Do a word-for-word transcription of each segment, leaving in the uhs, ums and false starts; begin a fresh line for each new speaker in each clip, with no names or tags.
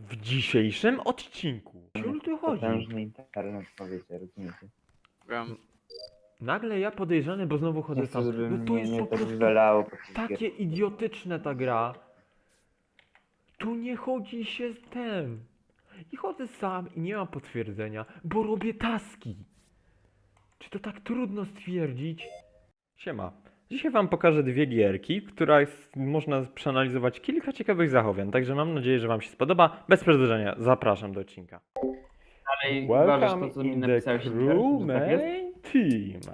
W dzisiejszym odcinku. O co tu chodzi?
Potężny internet, powiecie, rozumiecie?
Wiem.
Nagle ja podejrzany, bo znowu
Nie
chodzę
chcę,
sam.
żeby
No to
mnie
jest
nie
po
tak
prostu
wywalało po tych
takie
gier.
idiotyczne ta gra. Tu nie chodzi się z tym. I chodzę sam i nie mam potwierdzenia, bo robię taski. Czy to tak trudno stwierdzić? Siema. Dzisiaj wam pokażę dwie gierki, w których można przeanalizować kilka ciekawych zachowań, także mam nadzieję, że wam się spodoba. Bez przedłużenia, zapraszam do odcinka.
Ale uważasz
Welcome
to, co mi
in the
napisałeś,
crew
że tak jest?
main team.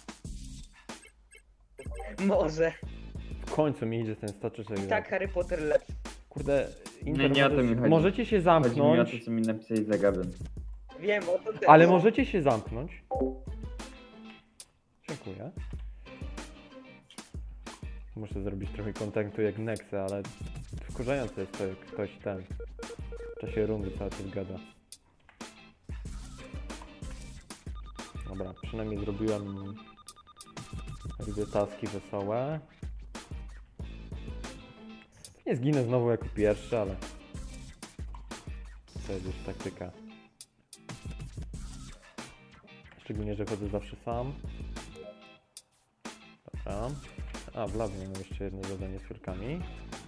Może.
W końcu mi idzie ten staczyczek.
Tak, Harry Potter lepszy.
Kurde,
Nie, nie o to mi chodzi.
możecie się
Chodzi mi o
zamknąć,
to, co mi napisałeś za gabem.
Wiem, o to też.
ale możecie się zamknąć. Dziękuję. Muszę zrobić trochę kontentu jak Nexe, ale wkurzające jest to, jak ktoś ten w czasie rundy cały czas gada. Dobra, przynajmniej zrobiłem robię taski wesołe. Nie zginę znowu jako pierwszy, ale to jest już taktyka. Szczególnie, że chodzę zawsze sam. Dobra. A, w labie mam jeszcze jedno zadanie z furkami.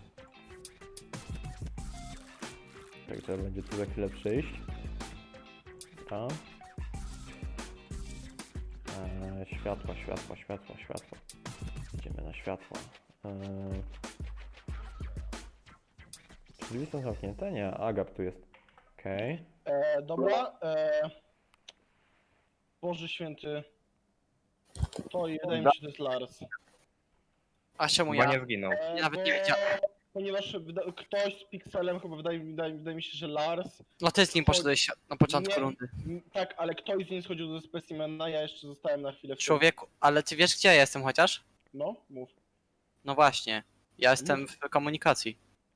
Tak, trzeba będzie tu za chwilę przyjść. Dobra. Eee, światła, światła, światła, światła. Idziemy na światła. Eee... Czy drzwi są zamknięte? Nie, Agap tu jest. Okej.
E, dobra. E, Boże święty. To i wydaje mi się, że to jest Lars.
A czemu
Bo
ja?
nie zginął.
E,
Ja nawet
bo-
nie wiedziałem.
Ponieważ wyda- ktoś z Pixelem chyba wydaje, wydaje, wydaje mi się, że Lars.
No ty z nim poszedłeś na początku
Nie.
rundy.
M, Tak, ale ktoś z niej schodził do specimena, ja jeszcze zostałem na chwilę w tym.
Człowieku, ale ty wiesz gdzie ja jestem chociaż?
No, mów.
No właśnie. Ja jestem w komunikacji.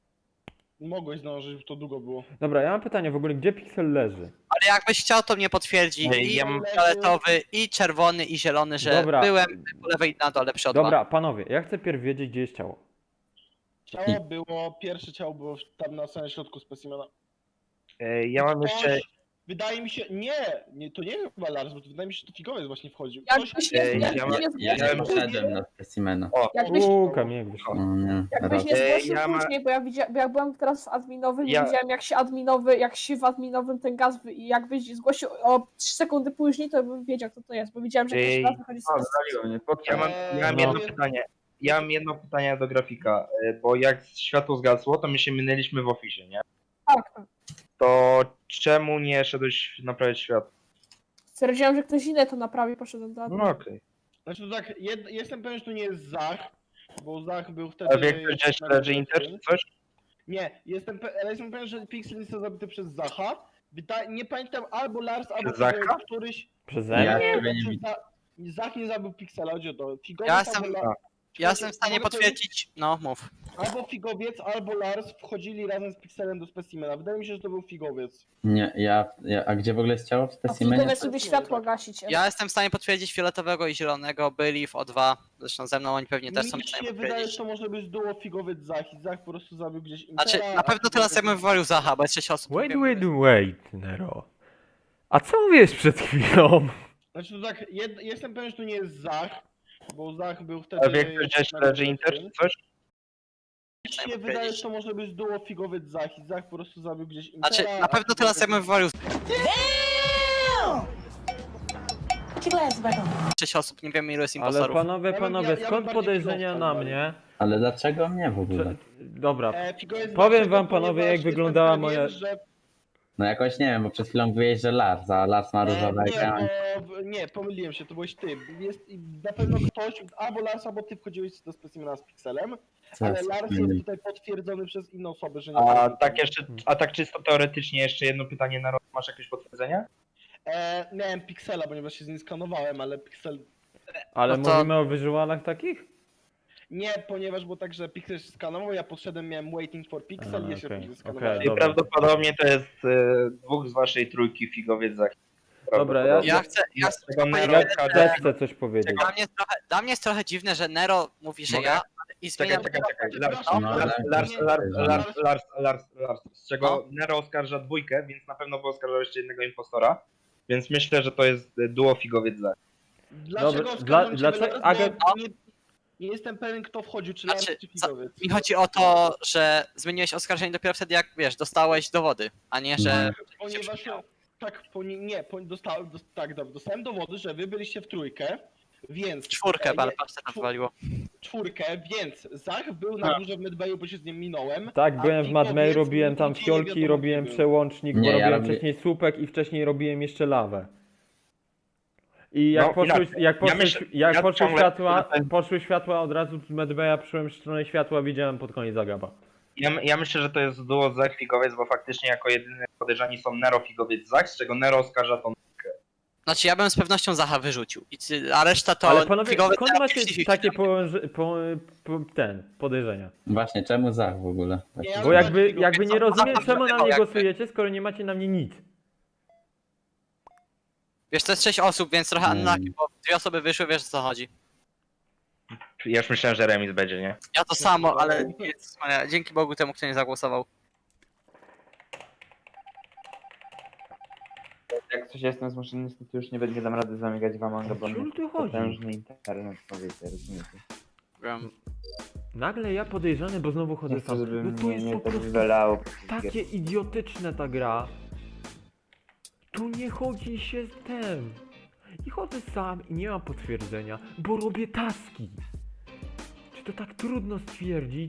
Mogłeś zdążyć, bo to długo było.
Dobra, ja mam pytanie w ogóle, gdzie Pixel leży?
Ale jakbyś chciał, to mnie potwierdzi.
Ej,
I
ja mam-
fioletowy, i czerwony, i zielony, że
Dobra.
byłem po lewej na dole przy O dwa.
Dobra, panowie, ja chcę pierw wiedzieć, gdzie jest ciało.
Ciało było, pierwsze ciało było tam na samym środku specimena.
E, Ja mam jeszcze.
Ktoś, wydaje mi się, nie, nie, to nie chyba Lars, bo to wydaje mi się, że to figowiec właśnie wchodził.
Jakbyś
Ktoś,
nie,
Ej,
jakbyś
ja ma-
nie
ja
zgłosił,
mam-
Wszedłem na specimena.
jakbyś,
Uuu, Kamień wyszło.
No nie,
jakbyś nie
raz.
Ej,
zgłosił
ja ma-
później, bo ja, widzia, bo ja byłem teraz w adminowym
Ja-
i widziałem jak się adminowy, jak się w adminowym ten gaz wy, i jakbyś zgłosił o trzy sekundy później, to bym wiedział kto to jest, bo widziałem, że
Ej,
jakiś raz wychodzi z
O, zwaliło mnie,
Ja mam, ja mam
No.
jedno pytanie. Ja mam jedno pytanie do grafika, e, bo jak światło zgasło, to my się minęliśmy w oficie, nie?
Tak, tak.
To czemu nie szedłeś naprawiać światło?
Stwierdziłem, że ktoś inny to naprawi, poszedłem do admina.
No okej.
Znaczy to tak, jed, jestem pewien, że to nie jest Zach, bo Zach był wtedy...
A wie ktoś gdzieś leży Inter czy coś?
Nie, jestem, pe- ale jestem pewien, że Pixel został zabity przez Zacha. Wyda- nie pamiętam, albo Lars, albo
Zacha?
któryś...
Przeze
Ja
mnie?
ciebie nie
Czy
widzę.
Za- Zach nie zabił Pixela, chodzi o to. Figowiec
Ja jestem-
albo, La-
Ja jestem w stanie
Figowiec-
potwierdzić. No, mów.
Albo Figowiec, albo Lars wchodzili razem z Pixelem do specimena. Wydaje mi się, że to był Figowiec.
Nie, ja, ja, a gdzie w ogóle jest ciało w
A
specimenie?
figowiec lubi światło gasić.
Ja jestem w stanie potwierdzić fioletowego i zielonego, byli w O dwa. Zresztą ze mną oni pewnie też są
Mi
w stanie
się wydaje, że
potwierdzić.
to może być duo Figowiec Zach i Zach po prostu zabił gdzieś Intera.
Znaczy, na
a
pewno teraz ja
Figowiec-
bym wywalił Zacha, bo jest sześć osób.
Wait,
Wiem,
wait,
że-
wait, Nero. A co mówiłeś przed chwilą?
Znaczy to tak, jed, jestem pewien, że to nie jest Zach, bo Zach był
A
wtedy...
wie ktoś gdzieś leży Inter czy coś?
Mi się wydaje, że to może być duo Figowiec Zach i Zach po prostu zabił gdzieś Intera.
Znaczy, na
a
pewno teraz ja bym
Figowiec-
wywalił sześć osób, nie wiem ilu jest
Ale
impostorów.
panowie,
Ja bym-
panowie,
ja- ja bym
skąd
bardziej
podejrzenia
Figowiec
na
tam
mnie?
Ale dlaczego mnie w ogóle?
Czy... Dobra,
E, Figowiec
Powiem
dlaczego?
wam, panowie,
Ponieważ
jak
jestem
wyglądała
pewien,
moja-
Że...
No jakoś nie wiem, bo przed chwilą mówiłeś, że Lars, a Lars ma różowe
E, nie,
ekran.
bo, nie, pomyliłem się, to byłeś ty. Jest i na pewno ktoś, albo Lars, albo ty wchodziłeś do specimena z Pixelem,
Co
ale
jest
Lars
innym?
jest tutaj potwierdzony przez inne osoby, że nie
A
zabił.
tak jeszcze, a tak czysto teoretycznie jeszcze jedno pytanie na rok. Masz jakieś potwierdzenie?
E, miałem Pixela, ponieważ się z nim skanowałem, ale Pixel...
ale
No to-
mówimy o wyżułanach takich?
Nie, ponieważ było tak, że Pixel się skanował, ja podszedłem, miałem waiting for Pixel
A,
i ja się
okej,
później
okej,
skanowałem.
I
dobra.
prawdopodobnie to jest e, dwóch z waszej trójki figowiec za.
Dobra, ja-
Ja chcę, ja chcę
Tego
powiedzieć,
Nero,
Ja
K D.
też chcę coś powiedzieć.
Dla mnie, jest trochę, dla mnie jest trochę dziwne, że Nero mówi, że
Mogę?
ja, a I
Czekaj,
zmieniam...
czekaj, czekaj. Lars,
Przepraszam,
No,
Lars,
ale-
Lars, Lars,
ale-
Lars, Lars, Lars, Lars, z czego
No.
Nero oskarża dwójkę, więc na pewno by oskarżał jeszcze jednego impostora. Więc myślę, że to jest y, duo figowiec za.
Dlaczego
Dobra,
oskarżam
dla-
ciebie,
dlaczego-
Lars?
Agent-
Bo nie, nie jestem pewien, kto wchodził, czy Lars,
Znaczy,
czy
co-
Figowiec.
Mi chodzi o to, że zmieniłeś oskarżenie dopiero wtedy, jak wiesz, dostałeś dowody, a nie, że...
Ponieważ tak, poni- nie, poni- dostałem, dos- tak, dobra, dostałem dowody, że wy byliście w trójkę, więc...
Czwórkę,
e,
ale
nie,
patrz, co tam
czwór-
wywaliło.
czwórkę, więc Zach był na górze w Medbayu, bo się z nim minąłem.
Tak,
a
byłem w
Figowiec
Madmay, robiłem tam
nigdzie nie
fiolki,
wiadomo,
robiłem
gdzie był.
przełącznik,
Nie,
bo
ja
robiłem
robię-
wcześniej słupek i wcześniej robiłem jeszcze lawę. I jak
No,
poszły,
inaczej.
jak
Ja
poszły,
myślę-
jak
ja
poszły
ciągle-
światła, poszły światła od razu z Medbaya, przyszłem w stronę światła, widziałem pod koniec Agaba.
Ja, ja myślę, że to jest duo Zach figowiec, bo faktycznie jako jedyny podejrzani są Nero figowiec Zach, z czego Nero oskarża tą.
Znaczy, ja bym z pewnością Zacha wyrzucił, I ty- a reszta to...
Ale panowie,
figowy
skąd
teraz
macie
pięćdziesiąt
takie
siedem.
położy, po, po, ten, podejrzenia?
Właśnie, czemu Zach w ogóle? Tak.
Nie,
Bo
ale
jakby,
Figowiec-
jakby nie rozumiem, czemu na mnie
Jakby-
głosujecie, skoro nie macie na mnie nic.
Wiesz, to jest sześć osób, więc trochę
Mm.
unlucky, bo dwie osoby wyszły, wiesz o co chodzi.
Ja już myślałem, że remis będzie, nie?
Ja to samo, ale Jezus Maria, dzięki Bogu temu, kto nie zagłosował.
Jak coś jestem zmuszony, niestety już nie, nie dam rady zamigać w Among Us, bo
O czym
mnie
tu chodzi?
potężny internet, powiecie, rozumiecie?
Wiem.
Nagle ja podejrzany, bo znowu chodzę
Nie chcę,
sam.
żeby
No to
mnie
jest
nie
po
tak
prostu
wywalało.
takie idiotyczne ta gra. Tu nie chodzi się z tym. I chodzę sam i nie mam potwierdzenia, bo robię taski. Czy to tak trudno stwierdzić?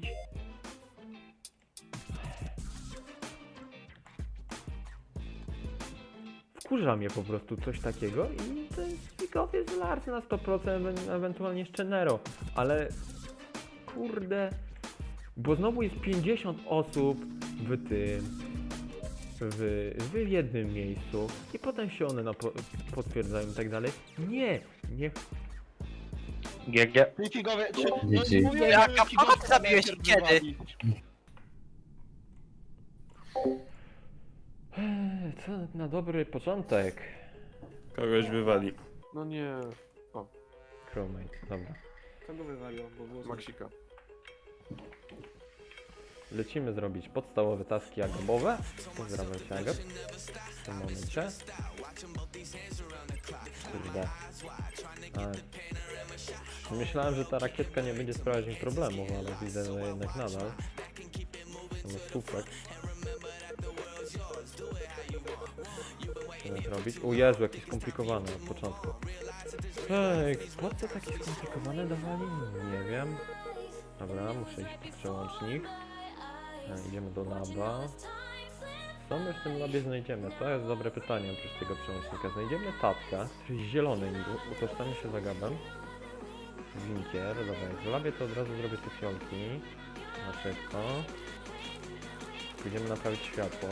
Wkurza mnie po prostu coś takiego i to jest figowiec z Lars na sto procent, ewen- ewentualnie jeszcze Nero, ale kurde, bo znowu jest pięćdziesiąt osób w tym, w, w jednym miejscu i potem się one na po, potwierdzają i tak dalej. Nie, nie.
G G.
Ty Figowiec, czy...
G G.
No, mówię,
Jaka
że Figowiec
kogo ty zabiłeś?
najpierw
Kiedy?
wywalił.
Eee, Co na dobry początek.
Kogoś wywali.
No nie.
Crewmate, dobra.
Kogo wywaliło? Bo było
Maksika.
Lecimy zrobić podstawowe taski agabowe. Pozdrawiam się Agab. W tym momencie. Kurde. A, myślałem, że ta rakietka nie będzie sprawiać mi problemów, ale widzę, że jednak nadal. Mamy słupek. Co zrobić? O Jezu, jakie skomplikowane od początku. Ej, po co takie skomplikowane dawali? Nie wiem. Dobra, muszę iść po przełącznik. E, Idziemy do laba. Co my w tym labie znajdziemy? To jest dobre pytanie oprócz tego przełącznika. Znajdziemy tatka, który jest zielony niby, utożsami się z Agabem. Winkier, dobra, jak w labie to od razu zrobię te fiolki. Na szybko. Pójdziemy naprawić światło.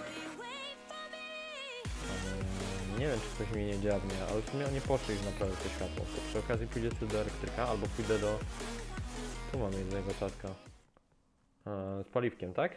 Ale nie wiem, czy coś mi nie dziabnie, ale w sumie nie poszli już naprawić to światło. To przy okazji pójdę sobie do elektryka, albo pójdę do... Tu mamy jednego czatka. E, z paliwkiem, tak?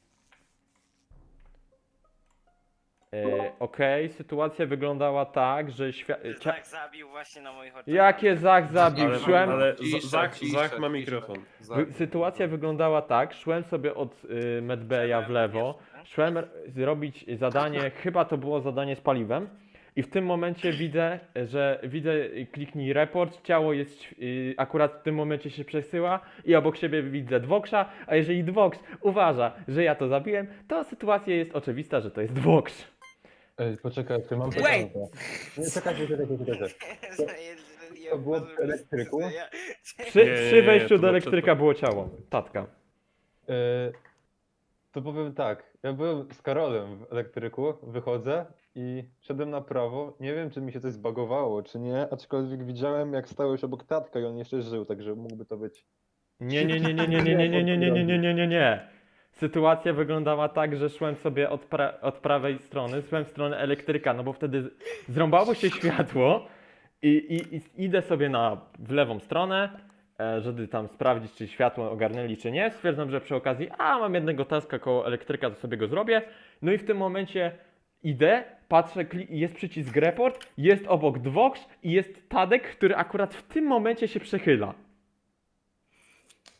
E, Okej, sytuacja wyglądała tak, że świat...
Zach zabił właśnie na moich oczach.
Jakie Zach zabił?
Ale,
Szłem...
ale
Cisza,
Zach,
cisza,
Zach ma
cisza.
mikrofon.
Wy, sytuacja wyglądała tak, szłem sobie od y, Medbeja w lewo, szłem r- zrobić zadanie, chyba to było zadanie z paliwem i w tym momencie widzę, że widzę, y, kliknij report, ciało jest, y, akurat w tym momencie się przesyła i obok siebie widzę Dwoksza, a jeżeli Dwoks uważa, że ja to zabiłem, to sytuacja jest oczywista, że to jest Dwoksz.
Ej, poczekaj, ty mam
Wait!
pytanie. Nie, czekajcie, czekajcie, czekajcie. To było w elektryku?
Przy,
Nie, nie,
przy
nie,
wejściu
to
do
było
elektryka
przed-
było ciało, tatka.
E, to powiem tak, ja byłem z Karolem w elektryku, wychodzę i szedłem na prawo. Nie wiem, czy mi się coś zbagowało, czy nie, aczkolwiek widziałem, jak stałeś obok tatka i on jeszcze żył, także mógłby to być.
Nie, nie, nie, nie, nie, nie, nie, nie, nie, nie, nie, nie, nie, nie, nie. Sytuacja wyglądała tak, że szłem sobie od, pra od prawej strony, szłem w stronę elektryka, no bo wtedy z- zrąbało się światło i, i, i idę sobie na, w lewą stronę, e, żeby tam sprawdzić, czy światło ogarnęli, czy nie. Stwierdzam, że przy okazji, a mam jednego taska koło elektryka, to sobie go zrobię. No i w tym momencie idę, patrzę, kli- jest przycisk report, jest obok Dwoks i jest Tadek, który akurat w tym momencie się przechyla.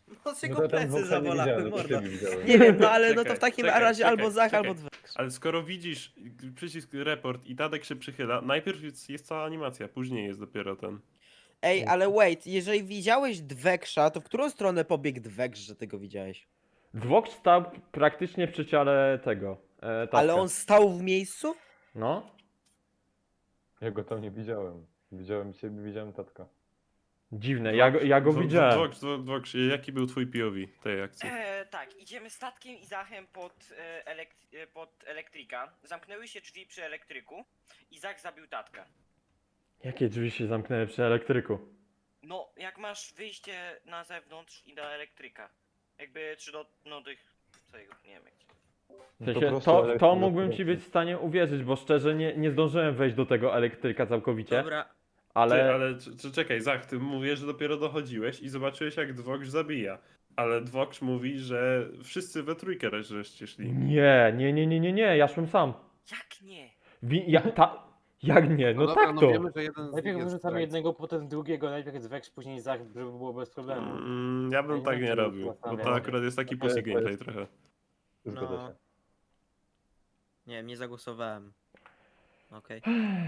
No
No
tylko
to ten
plecy
Voxa nie
zabolały,
widziałem, to
mordo.
ty widziałeś.
Nie wiem, no ale no to
Czekaj,
w takim
czekaj,
razie
czekaj,
albo Zach,
czekaj.
albo Dwex.
Ale skoro widzisz przycisk report i Tadek się przychyla, najpierw jest, jest cała animacja, później jest dopiero ten.
Ej, ale wait, jeżeli widziałeś Dweksza, to w którą stronę pobiegł Dweks, że ty go widziałeś?
Dwok stał praktycznie przy ciele tego. E, tatka.
Ale on stał w miejscu?
No.
Ja go tam nie widziałem. Widziałem ciebie, widziałem tatka.
Dziwne, ja go, ja go
Dwo-
widziałem.
Dwoks, Dwo- Dwoks, jaki był twój P O V tej akcji?
E, tak, idziemy statkiem i Zachem pod, e, elek- e, pod elektryka. Zamknęły się drzwi przy elektryku i Zach zabił tatkę.
Jakie drzwi się zamknęły przy elektryku?
No, jak masz wyjście na zewnątrz i do elektryka. Jakby, czy do, no tych, co jego, nie wiem jak się...
W
Po
sensie,
prostu
to, to
elektryk
mógłbym ci
elektryk.
być w stanie uwierzyć, bo szczerze nie, nie zdążyłem wejść do tego elektryka całkowicie,
Dobra,
ale...
Ty, ale c- c- czekaj, Zach, ty mówisz, że dopiero dochodziłeś i zobaczyłeś jak Dwoks zabija. Ale Dwoks mówi, że wszyscy we trójkę raz żeście szli.
Nie, nie, nie, nie, nie, nie, ja szłem sam.
jak nie?
Wi ja, ta... Jak nie? No, tak to.
że jeden najpierw wyrzucamy jednego, potem drugiego, najpierw jest Vex, później Zach, żeby było bez problemu.
Mm, ja bym
Ja
tak
nie
nie
wiem, czy
robił, bo
zastanawiam.
to akurat jest taki
To jest-
pussy
to jest-
gameplay trochę.
Zgadza
No.
się.
Nie wiem, nie zagłosowałem. Okej.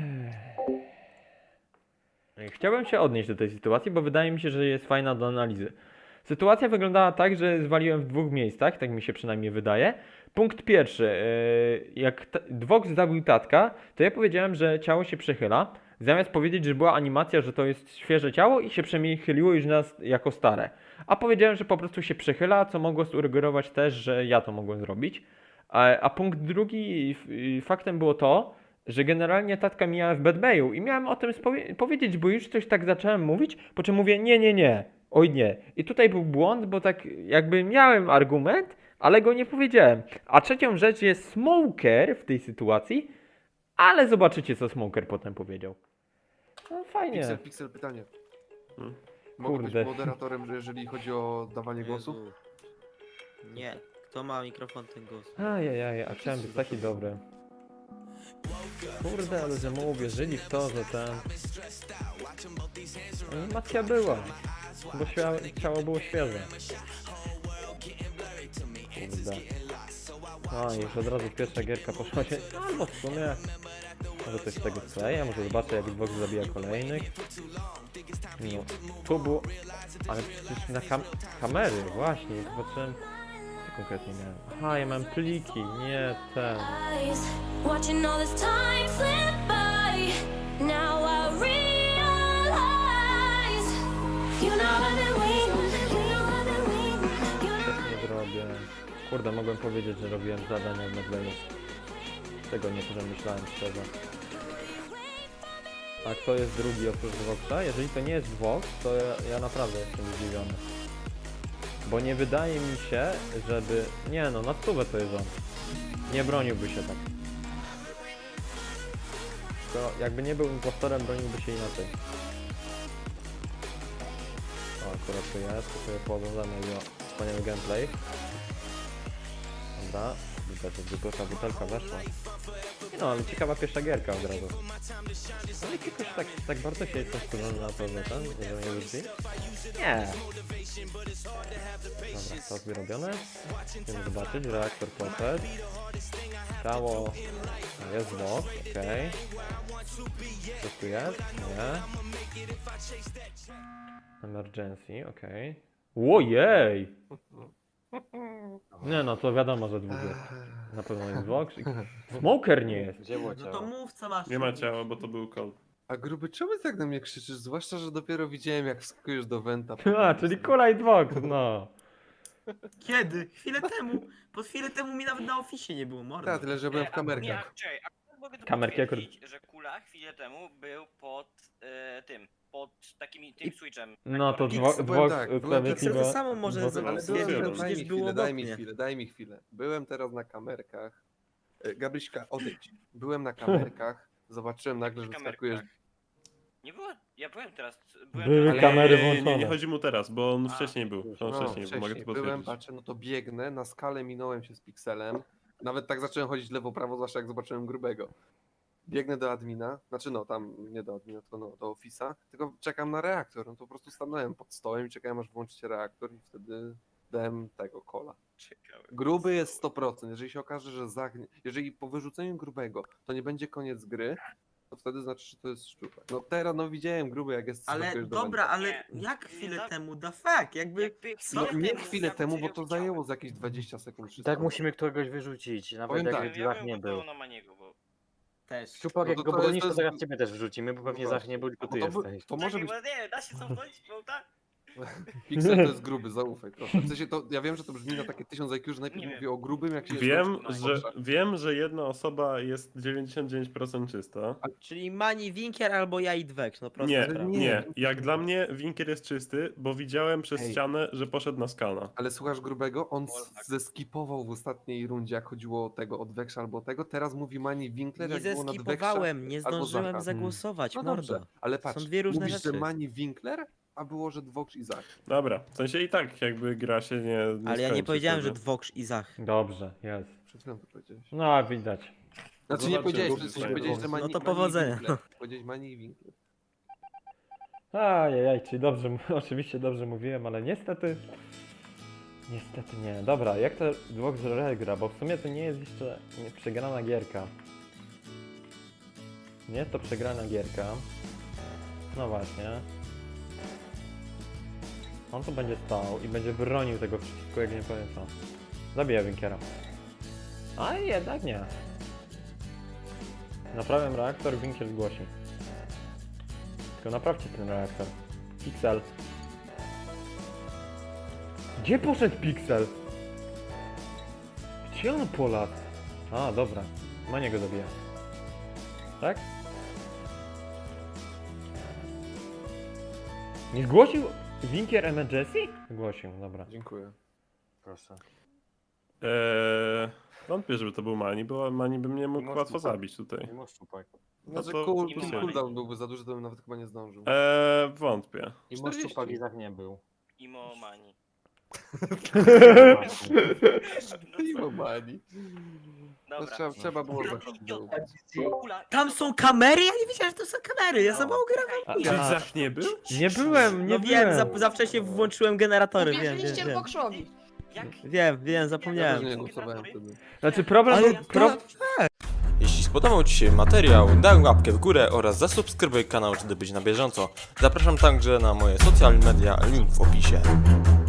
Chciałbym się odnieść do tej sytuacji, bo wydaje mi się, że jest fajna do analizy. Sytuacja wyglądała tak, że zwaliłem w dwóch miejscach, tak mi się przynajmniej wydaje. Punkt pierwszy, yy, jak t- Dwoks zabił tatka, to ja powiedziałem, że ciało się przechyla, zamiast powiedzieć, że była animacja, że to jest świeże ciało i się przechyliło już nas jako stare. A powiedziałem, że po prostu się przechyla, co mogło sugerować też, że ja to mogłem zrobić. A, a punkt drugi, f- y, faktem było to, że generalnie tatka mijałem w Bad Bayu i miałem o tym spowie- powiedzieć, bo już coś tak zacząłem mówić, po czym mówię nie, nie, nie, oj nie. I tutaj był błąd, bo tak jakby miałem argument, ale go nie powiedziałem. A trzecią rzecz jest Smoker w tej sytuacji, ale zobaczycie co Smoker potem powiedział. No fajnie.
Pixel, pixel, pytanie.
Hmm?
Mogę
Kurde.
być moderatorem, że jeżeli chodzi o dawanie głosu?
Nie, kto ma mikrofon, ten głos.
Ajajaj, a chciałem być taki dobry. Kurde, ale że mu uwierzyli w to, że ten... Animacja była, bo ścia- ciało było świeże. Kurde. No i już od razu pierwsza gierka poszła się... Albo w sumie... Może coś z tego skleję, może zobaczę jak Xbox zabija kolejnych. No, tu było... Ale przecież na kam kamery, właśnie, zobaczyłem... Co konkretnie miałem? Aha, ja mam pliki, nie ten...
Watching all this time slip by. Now I realize you know I've been waiting, you know I've been waiting, you know.
Nie zrobię. Kurde, mogłem powiedzieć, że robiłem zadania w Medleyu. Tego nie przemyślałem szczerze. A kto jest drugi oprócz Dwoksa? Jeżeli to nie jest Dwoks, to ja, ja naprawdę jestem zdziwiony. Bo nie wydaje mi się, żeby... Nie no, na stówę to jest on. Nie broniłby się tak. To jakby nie był impostorem, broniłby się inaczej. O, akurat tu jest, to sobie pooglądamy jego wspaniały gameplay. Dobra, widać, że zwykła butelka weszła. No, ale ciekawa pierwsza gierka od razu. Ale jakoś tak, tak bardzo się jestem skurzony na to, że ten, że nie lubi. Nie. Dobra, to zrobione. Chcemy zobaczyć, reaktor poszedł. Ciało... No, jest bot, okej. Coś tu jest? Nie. Emergency, okej. Ojej! Nie no, to wiadomo, że dwóch jest. Na pewno jest Vox. Smoker nie jest.
Gdzie było
No to mów co masz.
Nie ma ciała, bo to był call.
A gruby, czemu tak na mnie krzyczysz? Zwłaszcza, że dopiero widziałem jak wskakujesz do Wenta.
A, czyli Kula i Vox, no.
Kiedy? Chwilę temu. Po chwilę temu mi nawet na oficie nie było, mordo.
Tak, tyle że byłem w
Nie,
kamerkach.
czekaj, a mogę tu
Kamerki
potwierdzić, że Kula chwilę temu był pod e, tym, pod takim tym switchem.
No to
Pixel,
Vox,
powiem
Vox
tak, byłem
sprawiedliwie...
Pixel to samo może
Vox-
zrobić.
Ale
Ale
byłem,
byłem,
daj
przecież
mi
było
chwilę, daj
obok
mi
mnie.
chwilę, daj mi chwilę. Byłem teraz na kamerkach. E, Gabryśka, odejdź. Byłem na kamerkach, zobaczyłem nagle, że wskakujesz.
Nie było, ja byłem teraz. Byłem
Były
teraz,
kamery
nie, nie, nie,
włączone.
nie chodzi mu teraz, bo on
A.
wcześniej był. On
No,
wcześniej był, mogę to
byłem,
potwierdzić.
patrzę, no to biegnę, na skalę minąłem się z Pixelem. Nawet tak zacząłem chodzić lewo-prawo, zwłaszcza jak zobaczyłem grubego. biegnę do admina, znaczy no tam nie do admina, tylko no, do ofisa, tylko czekam na reaktor, no to po prostu stanąłem pod stołem i czekałem aż włączycie reaktor i wtedy dałem tego kola.
Ciekawe.
Gruby jest sto procent, jeżeli się okaże, że Zach, jeżeli po wyrzuceniu grubego to nie będzie koniec gry, to wtedy znaczy, że to jest szczupek. No teraz no widziałem gruby jak jest
Ale
skakujesz do
dobra,
wędka.
ale
Nie,
jak
nie
chwilę
za-
temu, da fuck, jakby...
Jakby
No
chwilę
nie
temu
chwilę
Zach
temu, bo
udzielił
to
widziałem.
zajęło z jakieś dwadzieścia sekund.
I
trzysta
tak
sekund.
musimy kogoś wyrzucić, nawet
Powiem
jak
tak.
Ja
Zach
bym
nie był.
głosował na Maniego, bo...
Też.
Szczupak,
No
jak
to
go
to jest-
bronisz,
to
to
jest-
zaraz ciebie też wrzucimy, bo pewnie
No
Zach nie był, tylko
Bo
ty
to, by-
jesteś.
to może
Czekaj,
być...
bo nie, da się cofnąć, bo tak?
Pixel to jest gruby, zaufaj proszę. W sensie to, ja wiem, że to brzmi na takie tysiąc I Q, że najpierw
Nie wiem.
mówię o grubym, jak się
Wiem,
jest
że, wiem, że jedna osoba jest dziewięćdziesiąt dziewięć procent czysta.
Czyli Mani, Winkier albo ja i Dwek, no prosta
Nie,
sprawa.
nie.
nie. Jak dla mnie Winkier jest czysty, bo widziałem przez
Ej.
ścianę, że poszedł na skana.
Ale słuchasz grubego? On s- zeskipował w ostatniej rundzie, jak chodziło o tego od Weksza albo tego. Teraz mówi Mani Winkler,
Nie
jak było nad Weksza.
zeskipowałem, nie
albo
zdążyłem
Zacha.
zagłosować,
No
mordo.
dobrze, ale patrz,
Są dwie różne
mówisz,
rzeczy.
że Mani Winkler, a było, że Dwoksz i Zach.
Dobra, w sensie i tak jakby gra się nie, nie
Ale ja nie
skończy
powiedziałem, że
wtedy.
Dwoksz i Zach.
Dobrze, jest.
Przed chwilą to powiedziałeś.
No, widać.
Znaczy nie
Zobaczymy,
powiedziałeś,
bo
w sensie
tutaj
powiedziałeś,
było-
że Mani
No to
Mani
powodzenia.
i Winkler. Powiedziałeś Mani i Winkler.
Ajajaj, czyli dobrze, m- oczywiście dobrze mówiłem, ale niestety... Niestety nie. Dobra, jak to Dwok gra, bo w sumie to nie jest jeszcze nie, przegrana gierka. Nie jest to przegrana gierka. No właśnie. On tu będzie stał i będzie bronił tego wszystkiego, jak nie powiem co. Zabija Winkiera. A jednak nie. Naprawiam reaktor, Winkier zgłosi. Tylko naprawcie ten reaktor. Pixel. Gdzie poszedł Pixel? Gdzie on poladł? A, dobra. Mania go zabija. Tak? Nie zgłosił Winkier Emergency? Zgłosił, dobra.
Dziękuję.
Proszę.
Eee, wątpię, żeby to był Mani, bo Mani by mnie mógł
Masz
łatwo
Szczupak.
zabić tutaj.
Nie masz Szczupak.
Znaczy
to
cool,
nie
cool,
ma.
cooldown byłby za duży, to bym nawet chyba nie zdążył.
Eee, wątpię.
I masz Szczupak i Zach nie był.
Imo Mani.
I Mani. No,
Dobra.
trzeba, trzeba było
Kula,
zacząć.
idiot. Kula,
Tam są kamery? Ja nie wiedziałem, że to są kamery, ja za mało grałem.
A,
Czyli
a,
Zach nie był?
nie byłem, nie
No wiem,
byłem.
za, za wcześnie włączyłem generatory, wiem, wiem,
Uwierzyliście
wiem.
Bokszowi.
jak?
Wiem, wiem,
Ja też
zapomniałem.
nie głosowałem wtedy.
Znaczy problem
Ale
był... Pro...
Jeśli spodobał Ci się materiał, daj łapkę w górę oraz zasubskrybuj kanał, żeby być na bieżąco. Zapraszam także na moje social media, link w opisie.